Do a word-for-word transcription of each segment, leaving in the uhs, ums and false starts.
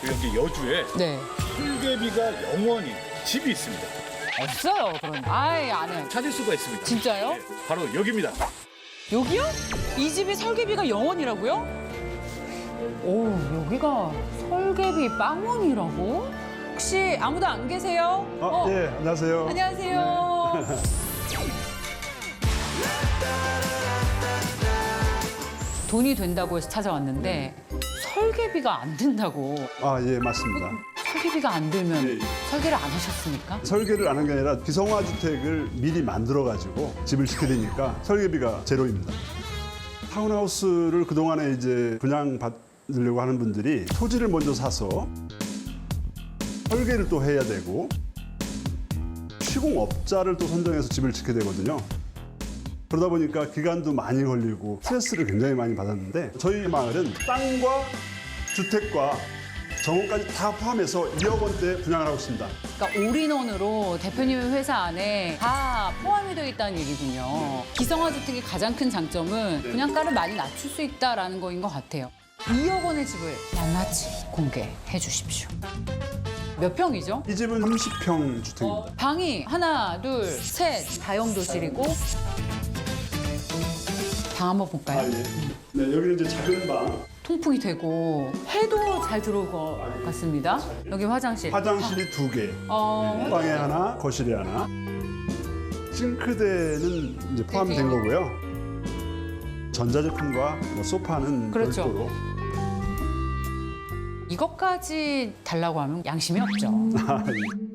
여기 여주에 네. 설계비가 영원히 집이 있습니다. 없어요, 그런. 아예 안 해. 찾을 수가 있습니다. 진짜요? 네, 바로 여기입니다. 여기요? 이 집이 설계비가 영원이라고요? 오, 여기가 설계비 빵원이라고? 혹시 아무도 안 계세요? 아, 어, 예, 안녕하세요. 안녕하세요. 돈이 된다고 해서 찾아왔는데 설계비가 안 된다고. 아, 예, 맞습니다. 설계비가 안 들면 예, 예. 설계를 안 하셨습니까? 설계를 안 한 게 아니라 기성화 주택을 미리 만들어가지고 집을 짓게 되니까 설계비가 제로입니다. 타운하우스를 그동안에 이제 분양받으려고 하는 분들이 토지를 먼저 사서 설계를 또 해야 되고 시공업자를 또 선정해서 집을 짓게 되거든요. 그러다 보니까 기간도 많이 걸리고 스트레스를 굉장히 많이 받았는데 저희 마을은 땅과 주택과 정원까지 다 포함해서 이억 원대 분양을 하고 있습니다. 그러니까 올인원으로 대표님의 회사 안에 다 포함이 되어 있다는 얘기군요. 기성화 주택의 가장 큰 장점은 분양가를 많이 낮출 수 있다는 거인 것 같아요. 이억 원의 집을 낱낱이 공개해 주십시오. 몇 평이죠? 이 집은 삼십 평 주택입니다. 방이 하나, 둘, 셋, 다용도실이고 방 한번 볼까요? 아, 예. 네, 여기는 이제 작은 방, 통풍이 되고 해도 잘 들어올 것 같습니다. 여기 화장실. 화장실이 두 개, 어, 방에 하나, 거실에 하나. 싱크대는 이제 포함된 거고요. 전자제품과 뭐 소파는 그렇죠. 별도로. 이것까지 달라고 하면 양심이 없죠. 아, 예.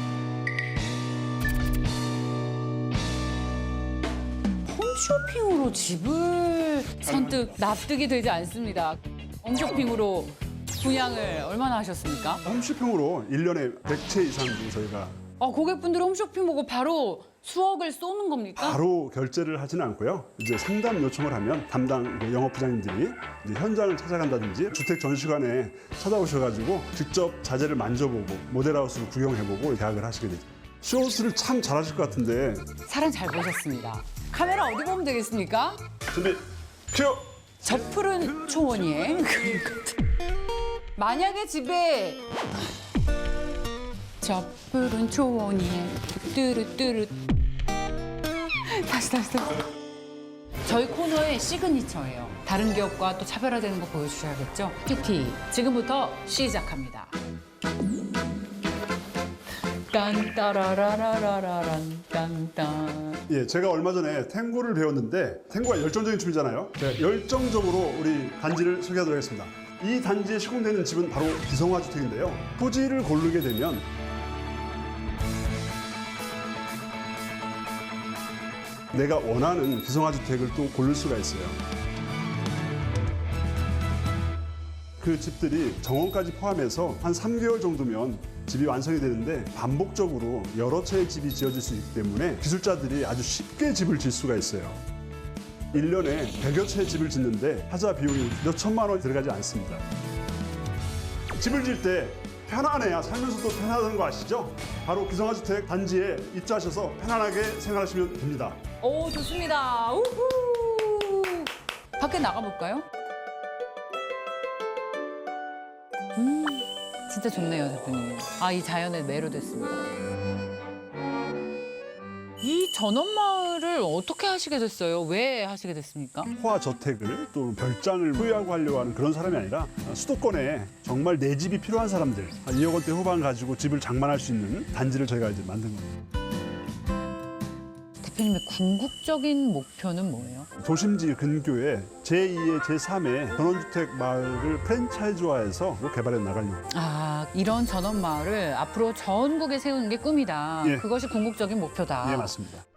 홈쇼핑으로 집을 선뜻 납득이 되지 않습니다. 홈쇼핑으로 분양을 얼마나 하셨습니까? 홈쇼핑으로 일 년에 백 채 이상 저희가 어, 고객분들 홈쇼핑 보고 바로 수억을 쏘는 겁니까? 바로 결제를 하지는 않고요. 이제 상담 요청을 하면 담당 그 영업부장님들이 이제 현장을 찾아간다든지 주택 전시관에 찾아오셔가지고 직접 자재를 만져보고 모델하우스를 구경해보고 계약을 하시게 되죠. 쇼호스를 참 잘하실 것 같은데. 사람 잘 보셨습니다. 카메라 어디 보면 되겠습니까? 준비 큐! 저 푸른 초원이에 만약에 집에 저 푸른 초원이에 뚜루뚜루 다시 다시 다시 저희 코너의 시그니처예요. 다른 기업과 또 차별화되는 거 보여주셔야겠죠? 큐티 지금부터 시작합니다. 딴따라라라라란 딴딴. 예, 제가 얼마 전에 탱고를 배웠는데 탱고가 열정적인 춤이잖아요. 제가 열정적으로 우리 단지를 소개하도록 하겠습니다. 이 단지에 시공되는 집은 바로 기성화 주택인데요. 토지를 고르게 되면 내가 원하는 기성화 주택을 또 고를 수가 있어요. 그 집들이 정원까지 포함해서 한 삼 개월 정도면 집이 완성이 되는데 반복적으로 여러 채의 집이 지어질 수 있기 때문에 기술자들이 아주 쉽게 집을 질 수가 있어요. 일 년에 백여 채의 집을 짓는데 하자 비용이 몇 천만 원 들어가지 않습니다. 집을 질 때 편안해야 살면서도 편하다는 거 아시죠? 바로 기성화 주택 단지에 입주하셔서 편안하게 생활하시면 됩니다. 오 좋습니다. 우후. 밖에 나가볼까요? 음 진짜 좋네요 대표님. 아 이 자연에 매료됐습니다. 이 전원마을을 어떻게 하시게 됐어요? 왜 하시게 됐습니까? 호화 저택을 또 별장을 소유하고 하려고 하는 그런 사람이 아니라 수도권에 정말 내 집이 필요한 사람들 이억 원대 후반 가지고 집을 장만할 수 있는 단지를 저희가 이제 만든 겁니다. 대표님의 궁극적인 목표는 뭐예요? 도심지 근교에 제이의 제삼의 전원주택 마을을 프랜차이즈화해서 개발해 나가려고. 아 이런 전원마을을 앞으로 전국에 세우는 게 꿈이다. 예. 그것이 궁극적인 목표다. 예, 맞습니다.